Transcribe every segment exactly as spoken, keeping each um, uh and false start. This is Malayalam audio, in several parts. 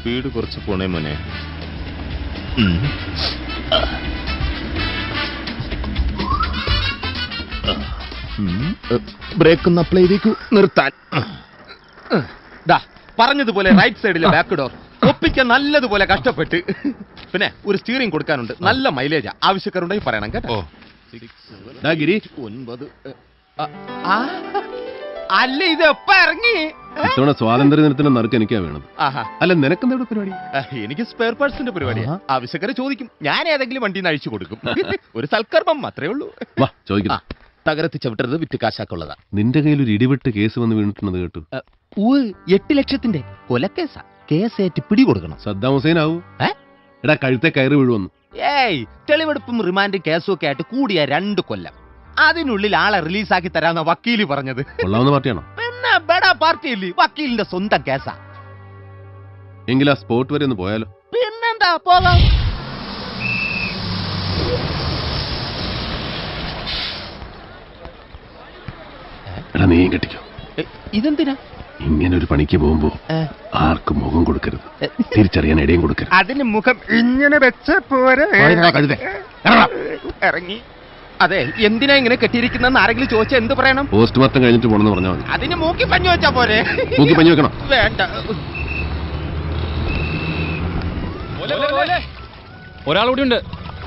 സ്പീഡ് കുറച്ച് പോണേ മോനെ. ബ്രേക്ക് ഒന്ന് അപ്ലൈ ചെയ്തേക്കൂ. നിർത്താൻ. പറഞ്ഞതുപോലെ റൈറ്റ് സൈഡിലെ ബാക്ക് ഡോർ ഒപ്പിക്കാൻ നല്ലതുപോലെ കഷ്ടപ്പെട്ട്. പിന്നെ ഒരു സ്റ്റിയറിംഗ് കൊടുക്കാനുണ്ട്. നല്ല മൈലേജാ. ആവശ്യക്കാരുണ്ടെങ്കിൽ പറയണം കേട്ടോ. ഗിരി ഒൻപത്. അല്ല ഇത് എപ്പ ഇറങ്ങി? ഇത്തവണ സ്വാതന്ത്ര്യ ദിനത്തിന്റെ നറുക്ക് എനിക്കാ വേണത്. അല്ല നിനക്കെന്താ പരിപാടി? എനിക്ക് സ്പെയർ പാർട്സിന്റെ പരിപാടിയാ. ആവശ്യക്കാരെ ചോദിക്കും, ഞാൻ ഏതെങ്കിലും വണ്ടിന്ന് അഴിച്ചു കൊടുക്കും. ഒരു സൽക്കർമ്മം അത്രേ ഉള്ളൂ. വാ ചോദിക്കാം. തകരത്തി ചവിട്ടരുത്, വിറ്റ് കാശാക്കുള്ളതാ. നിന്റെ കയ്യിൽ ഒരു ഇടിവിട്ട് കേസ് വന്ന് വീണിട്ടുണ്ടെന്ന് കേട്ടു. എട്ട് ലക്ഷത്തിന്റെ കൊലക്കേസാ. കേസേറ്റ് പിടി കൊടുക്കണം. സദ്ദാം ഹുസൈൻ ആവൂ? എടാ കഴുത്തെ കയറി വീഴുവന്നു. ഏയ് തെളിവെടുപ്പും റിമാൻഡും കേസും ഒക്കെ ആയിട്ട് കൂടിയ രണ്ട് കൊല്ലം. അതിനുള്ളിൽ ആളെ റിലീസാക്കി തരാന്ന വക്കീല് പറഞ്ഞത്. കൊള്ളാവുന്ന പാർട്ടിയാണോ? പിന്നെ ബെടാ പാർട്ടിയല്ലേ, വക്കീലിന്റെ സ്വന്തം കേസാ. എങ്കിൽ ആ സ്പോട്ട് വരെ ഒന്ന് പോയാലോ? പിന്നെന്താ, പോകാം. എടാ നീ കെട്ടിക്കോ. ഇതെന്തിനാ? ഇങ്ങനെ ഒരു പണിക്ക് പോകുമ്പോ ആർക്കും മുഖം കൊടുക്കരുത്, തിരിച്ചറിയാൻ ഇടയും കൊടുക്കരുത്. അതിന് മുഖം ഇങ്ങനെ വെച്ച പോരെ. ഇറങ്ങി. അതെ, എന്തിനാ ഇങ്ങനെ കെട്ടിയിരിക്കുന്ന ആരെങ്കിലും ചോദിച്ചാൽ എന്ത് പറയണം? പോസ്റ്റ്മോർട്ടം കഴിഞ്ഞിട്ട് പോണെന്ന് പറഞ്ഞാൽ മതി. അതിന് മൂക്കി പഞ്ഞു വെച്ചാ പോരെ? മൂക്കി പഞ്ഞു വെക്കണം. വേണ്ട. ഒരാളൂടി ഉണ്ട്.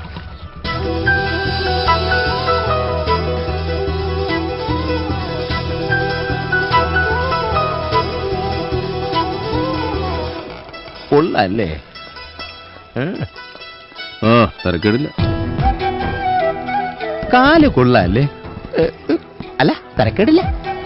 കൊള്ളല്ലേ? ആ തരക്കേടില്ല. കാല് കൊള്ളല്ലേ? അല്ല തരക്കേടില്ല.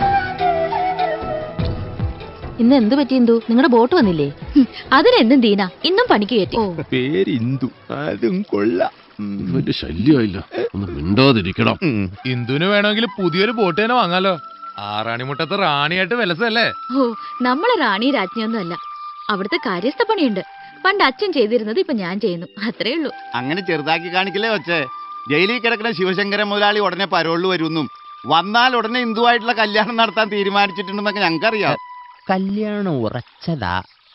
ഇന്ന് എന്ത് പറ്റി ഇന്ദു? നിങ്ങളുടെ ബോട്ട് വന്നില്ലേ? അതിനെന്തും ദീന ഇന്നും പണിക്ക് കയറ്റി. പേര് ഇന്ദു, അതും കൊള്ളാം. വലിയ ശല്യമായില്ല, ഒന്ന് മിണ്ടാതിരിക്കണം. ഇന്ദുവിന് വേണമെങ്കിൽ പുതിയൊരു ബോട്ട് തന്നെ വാങ്ങാലോ. ആറാണിമുട്ടത്ത് റാണിയായിട്ട് വിലസല്ലേ? ഓ, നമ്മളെ റാണി രാജ്ഞിയൊന്നും അല്ല. അവിടുത്തെ കാര്യസ്ഥ പണിയുണ്ട്. പണ്ട് അച്ഛൻ ചെയ്തിരുന്നത് ഇപ്പൊ ഞാൻ ചെയ്യുന്നു, അത്രേ ഉള്ളൂ. അങ്ങനെ ചെറുതാക്കി കാണിക്കലേ വെച്ചേ. ജയിലിൽ കിടക്കുന്ന ശിവശങ്കരൻ മുതലാളി ഉടനെ പരോളിൽ വരുമെന്നും വന്നാൽ ഉടനെ ഹിന്ദുവായിട്ടുള്ള കല്യാണം നടത്താൻ തീരുമാനിച്ചിട്ടുണ്ടെന്നൊക്കെ ഞങ്ങൾക്കറിയാം. കല്യാണം ഉറച്ചതാ.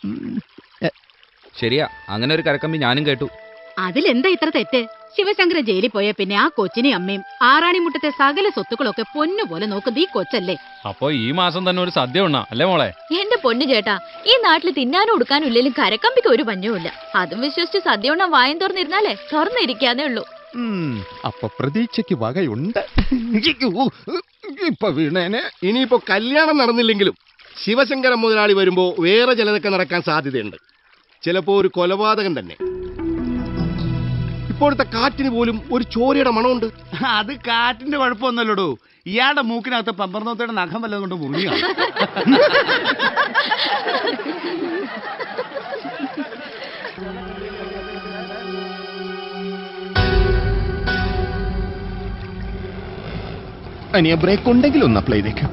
ശരിയാ, അങ്ങനെ ഒരു കരക്കമ്പി ഞാനും കേട്ടു. അതിലെന്താ ഇത്ര തെറ്റ്? ശിവശങ്കരൻ ജയിലിൽ പോയ പിന്നെ ആ കൊച്ചിനെയും അമ്മയും ആറാണിമുട്ടത്തെ സകല സ്വത്തുക്കളൊക്കെ പൊന്നുപോലെ നോക്കുന്നത് ഈ കൊച്ചല്ലേ? അപ്പൊ ഈ മാസം തന്നെ ഒരു സദ്യ ഉണ്ണാ അല്ലേ മോളെ? എന്റെ പൊന്നു ചേട്ടാ, ഈ നാട്ടിൽ തിന്നാനും ഉടുക്കാനും ഇല്ലെങ്കിലും കരക്കമ്പിക്ക് ഒരു പഞ്ഞവുമില്ല. അതും വിശ്വസിച്ച് സദ്യ ഉണ്ണാൻ വായം തുറന്നിരുന്നാലേ തുറന്നിരിക്കാന്നേ ഉള്ളൂ. അപ്പൊ പ്രതീക്ഷയ്ക്ക് വകയുണ്ട്. ഇപ്പൊ വീണേനെ. ഇനിയിപ്പോ കല്യാണം നടന്നില്ലെങ്കിലും ശിവശങ്കരൻ മുതലാളി വരുമ്പോ വേറെ ചിലതൊക്കെ നടക്കാൻ സാധ്യതയുണ്ട്. ചിലപ്പോ ഒരു കൊലപാതകം തന്നെ. ഇപ്പോഴത്തെ കാറ്റിന് പോലും ഒരു ചോരയുടെ മണമുണ്ട്. അത് കാറ്റിന്റെ കുഴപ്പമൊന്നുമല്ലടോ, ഇയാളുടെ മൂക്കിനകത്ത് പമ്പർന്നോത്തയുടെ നഖം വല്ലതും കൊണ്ട് മുറിയാണ്. അനിയ ബ്രേക്ക് ഉണ്ടെങ്കിൽ ഒന്ന് അപ്ലൈ ചെയ്തേക്കാം.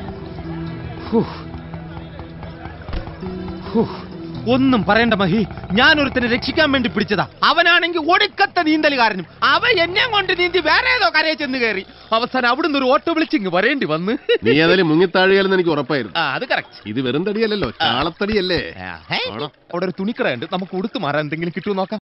ഒന്നും പറയണ്ട മഹി, ഞാൻ ഒരുത്തനെ രക്ഷിക്കാൻ വേണ്ടി പിടിച്ചതാ. അവനാണെങ്കിൽ ഒടുക്കത്തെ നീന്തലുകാരനും. അവ എന്നെ കൊണ്ട് നീന്തി വേറെ ഏതോ കരയെ ചെന്ന് കയറി. അവസാനം അവിടുന്ന് ഒരു ഓട്ടോ വിളിച്ചിങ് വരേണ്ടി വന്ന്. നീ ഏതായാലും മുങ്ങിത്താഴിയാലെന്ന് എനിക്ക് ഉറപ്പായിരുന്നു. അത് കറക്റ്റ്. ഇത് വെറും തടിയല്ലല്ലോ, ചാളത്തടിയല്ലേ? അവിടെ ഒരു തുണിക്കടയുണ്ട്, നമുക്ക് ഉടുത്തു മാറാൻ എന്തെങ്കിലും കിട്ടുമോ നോക്കാം.